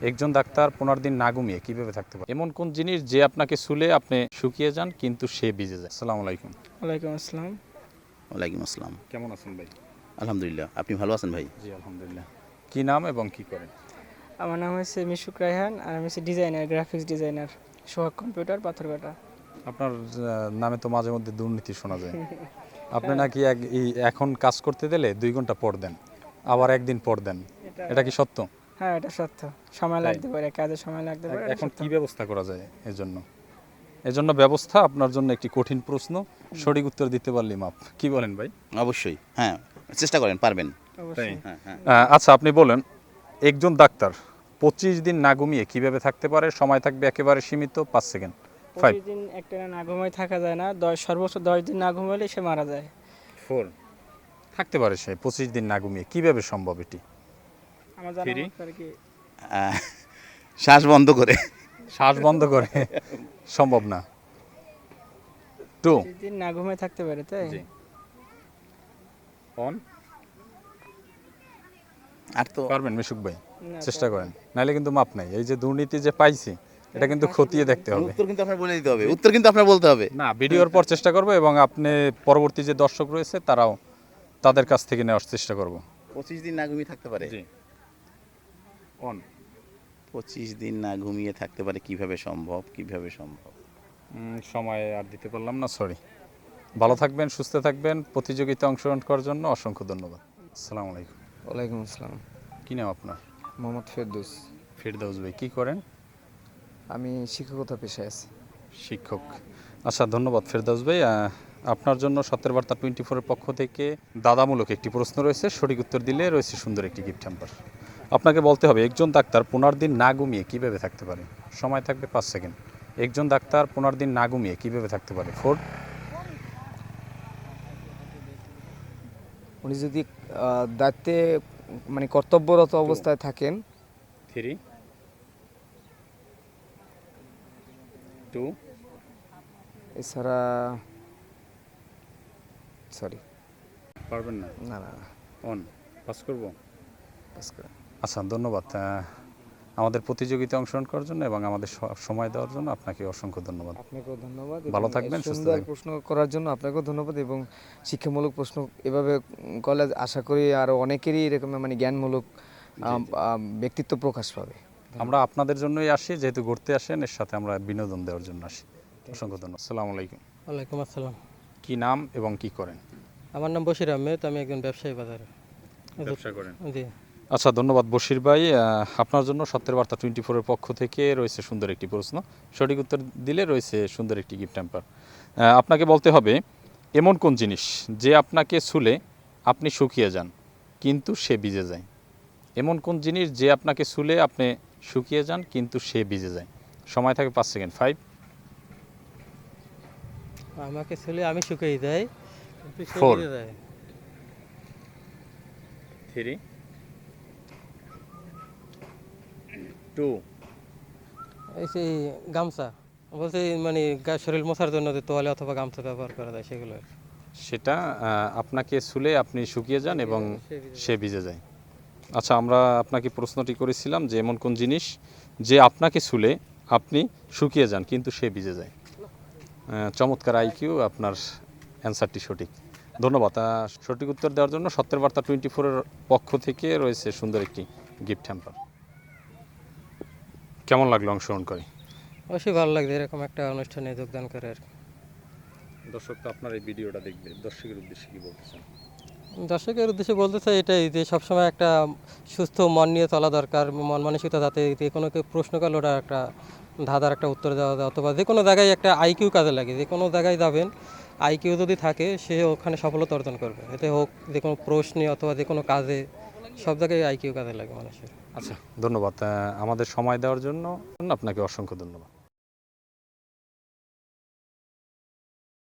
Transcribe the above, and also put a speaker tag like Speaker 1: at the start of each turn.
Speaker 1: একজন ডাক্তার 15 দিন না ঘুমিয়ে কিভাবে থাকতে পারে? এমন কোন জিনিস যে আপনাকে ছুলে আপনি শুকিয়ে যান কিন্তু সে ভিজে যায়? আসসালামু আলাইকুম।
Speaker 2: ওয়ালাইকুম আসসালাম।
Speaker 3: ওয়ালাইকুম আসসালাম।
Speaker 1: কেমন আছেন ভাই?
Speaker 3: আলহামদুলিল্লাহ। আপনি ভালো আছেন ভাই?
Speaker 1: জি আলহামদুলিল্লাহ। কি নাম এবং কি করেন?
Speaker 2: আমার নাম হচ্ছে মিশুক রায়হান আর আমি হচ্ছে designer, graphics designer, Sohag computer, Patharghata.
Speaker 1: আপনার নামে তো মাঝে মধ্যে দুর্নীতি শোনা যায়। আপনি নাকি এখন কাজ করতে দিলে 2 ঘন্টা পর দেন, আবার একদিন পর দেন। এটা কি সত্য?
Speaker 2: হ্যাঁ, এটা সত্য। সময়
Speaker 1: তাই?
Speaker 2: লাগতে পারে, কাজে সময় লাগতে পারে, এটা
Speaker 1: এখন
Speaker 2: সত্য।
Speaker 1: কি ব্যবস্থা করা যায় এজন্য ব্যবস্থা আপনার জন্য একটি কঠিন প্রশ্ন, সঠিক উত্তর দিতে পারলে মাপ। কি বলেন ভাই?
Speaker 3: অবশ্যই। হ্যাঁ, চেষ্টা করেন, পারবেন।
Speaker 2: অবশ্যই।
Speaker 3: হ্যাঁ, হ্যাঁ।
Speaker 1: আচ্ছা আপনি বলেন, একজন ডাক্তার 25 দিন না ঘুমিয়ে কিভাবে থাকতে পারে? সময় থাকবে একেবারে সীমিত, 5 সেকেন্ড। 5
Speaker 2: প্রতিদিন একটা না ঘুমায় থাকা যায় না, সর্বোচ্চ 10 দিন না ঘুমালে সে মারা যায়।
Speaker 1: 4 থাকতে পারে সে 25 দিন না ঘুমিয়ে, কিভাবে সম্ভব এটি?
Speaker 2: আমার জানা
Speaker 1: Three?
Speaker 2: মতে আর কি
Speaker 3: আহ, শ্বাস বন্ধ করে।
Speaker 1: শ্বাস বন্ধ করে সম্ভব না। 2
Speaker 2: 25 দিন না ঘুমায় থাকতে পারে, তাই?
Speaker 1: জি অন
Speaker 3: আর তো
Speaker 1: পারবেন মিশুক ভাই?
Speaker 2: না,
Speaker 1: চেষ্টা
Speaker 2: পারবো
Speaker 1: করেন, নাহলে কিন্তু মাপ নাই। এই যে দুর্নীতি যে পাইছি, এটা কিন্তু খতিয়ে দেখতে হবে।
Speaker 3: উত্তর কিন্তু আপনার বলে দিতে হবে। উত্তর কিন্তু আপনার বলতে হবে।
Speaker 1: না, ভিডিওর পর চেষ্টা করব এবং আপনি পরবর্তী যে দর্শক রয়েছে তারাও তাদের কাছ থেকে নেওয়ার চেষ্টা করব।
Speaker 3: 25 দিন না ঘুমিয়ে থাকতে পারে।
Speaker 1: জি অন
Speaker 3: 25 দিন না ঘুমিয়ে থাকতে পারে, কিভাবে সম্ভব? কিভাবে সম্ভব?
Speaker 1: সময় আর দিতে পারলাম না, সরি। ভালো থাকবেন, সুস্থ থাকবেন। প্রতিযোগিতায় অংশগ্রহণ করার জন্য অসংখ্য ধন্যবাদ। আসসালামু আলাইকুম।
Speaker 4: ওয়ালাইকুম আসসালাম।
Speaker 1: কি নাম আপনার?
Speaker 4: মোহাম্মদ ফেরদৌস।
Speaker 1: ফেরদৌস ভাই, কি করেন?
Speaker 4: আমি শিক্ষকতা পেশায় আছি।
Speaker 1: শিক্ষক। আচ্ছা ধন্যবাদ ফেরদৌস ভাই। আপনার জন্য সত্যের বার্তা 24-এর পক্ষ থেকে দাদামূলক একটি প্রশ্ন রয়েছে, সঠিক উত্তর দিলে রয়েছে সুন্দর একটি গিফট হ্যাম্পার। আপনাকে বলতে হবে, একজন ডাক্তার 15 দিন না ঘুমিয়ে কীভাবে থাকতে পারে? সময় থাকবে 5 সেকেন্ড। একজন ডাক্তার 15 দিন না ঘুমিয়ে কীভাবে থাকতে পারে? 4
Speaker 4: উনি যদি দায়িত্বে মানে কর্তব্যরত অবস্থায় থাকেন,
Speaker 1: 3 2
Speaker 4: এছাড়া সরি
Speaker 1: পারবেন না।
Speaker 4: না না না
Speaker 1: অন পাস করব।
Speaker 4: পাস করেন।
Speaker 1: আচ্ছা ধন্যবাদ আমাদের প্রতিযোগিতায় অংশগ্রহণ করার জন্য এবং আমাদের সময় দেওয়ার জন্য আপনাকে অসংখ্য ধন্যবাদ।
Speaker 4: আপনাকেও ধন্যবাদ।
Speaker 1: ভালো
Speaker 4: এবং
Speaker 1: থাকবেন, সুস্থ
Speaker 4: সুন্দর
Speaker 1: থাকবেন।
Speaker 4: প্রশ্ন করার জন্য আপনাকেও ধন্যবাদ এবং শিক্ষামূলক প্রশ্ন এভাবে করলে আশা করি আরও অনেকেরই এরকম মানে জ্ঞানমূলক ব্যক্তিত্ব প্রকাশ পাবে।
Speaker 1: আমরা আপনাদের জন্যই আসি, যেহেতু ঘুরতে আসেন, এর সাথে আমরা বিনোদন দেওয়ার জন্য আসি। অসংখ্য ধন্যবাদ। আসসালামু আলাইকুম।
Speaker 5: ওয়ালাইকুম আসসালাম।
Speaker 1: কি নাম এবং কি করেন?
Speaker 5: আমার নাম বশির আহমেদ, আমি একজন ব্যবসায়ী বাজারে।
Speaker 1: ব্যবসা করেন?
Speaker 5: জি।
Speaker 1: আচ্ছা ধন্যবাদ বশির ভাই। আপনার জন্য সত্যের বার্তা 24-এর পক্ষ থেকে রয়েছে সুন্দর একটি প্রশ্ন, সঠিক উত্তর দিলে রয়েছে সুন্দর একটি গিফট হ্যাম্পার। আপনাকে বলতে হবে, এমন কোন জিনিস যে আপনাকে ছুলে আপনি শুকিয়ে যান কিন্তু সে ভিজে যায়? এমন কোন জিনিস যে আপনাকে ছুলে আপনি শুকিয়ে যান কিন্তু সে ভিজে যায়? সময় থাকে 5 সেকেন্ড। 5
Speaker 5: আমাকে ছেলে আমি শুকিয়ে যাই কিন্তু সে
Speaker 1: Four.
Speaker 5: ভিজে যায়।
Speaker 1: 3 2
Speaker 5: এই সেই গামছা, বলছি মানে শরীর মোছার জন্য যে তোয়ালে অথবা গামছা ব্যবহার করা যায় সেগুলো।
Speaker 1: সেটা আপনাকে ছুলে আপনি শুকিয়ে যান এবং সে ভিজে যায়। আচ্ছা আমরা আপনাকে প্রশ্নটি করেছিলাম যে এমন কোন জিনিস যে আপনাকে ছুলে আপনি শুকিয়ে যান কিন্তু সে ভিজে যায়। চমৎকার আইকিউ, আপনার অ্যান্সারটি সঠিক। ধন্যবাদ। সঠিক উত্তর দেওয়ার জন্য সত্যের বার্তা 24-এর পক্ষ থেকে রয়েছে সুন্দর একটি গিফট হ্যাম্পার। কেমন লাগলো অংশগ্রহণ করে?
Speaker 5: অবশ্যই ভালো লাগছে এরকম একটা অনুষ্ঠানে যোগদান করে আর কি।
Speaker 1: দর্শক তো আপনার এই ভিডিওটা দেখবে, দর্শকের উদ্দেশ্যে কি বলতে চান?
Speaker 5: দর্শকের উদ্দেশ্যে বলতে চাই এটাই যে সবসময় একটা সুস্থ মন নিয়ে চলা দরকার, মন মানসিকতা যাতে যে কোনো কেউ প্রশ্ন করলে ওটা একটা ধাঁধার একটা উত্তর দেওয়া যায়, অথবা যে কোনো জায়গায় একটা আইকিউ কাজে লাগে। যে কোনো জায়গায় যাবেন, আইকিউ যদি থাকে সে ওখানে সফলতা অর্জন করবে। এতে হোক যে কোনো প্রশ্নে অথবা যে কোনো কাজে, সব জায়গায় আইকিউ কাজে লাগে মানুষের।
Speaker 1: আচ্ছা ধন্যবাদ আমাদের সময় দেওয়ার জন্য আপনাকে অসংখ্য ধন্যবাদ।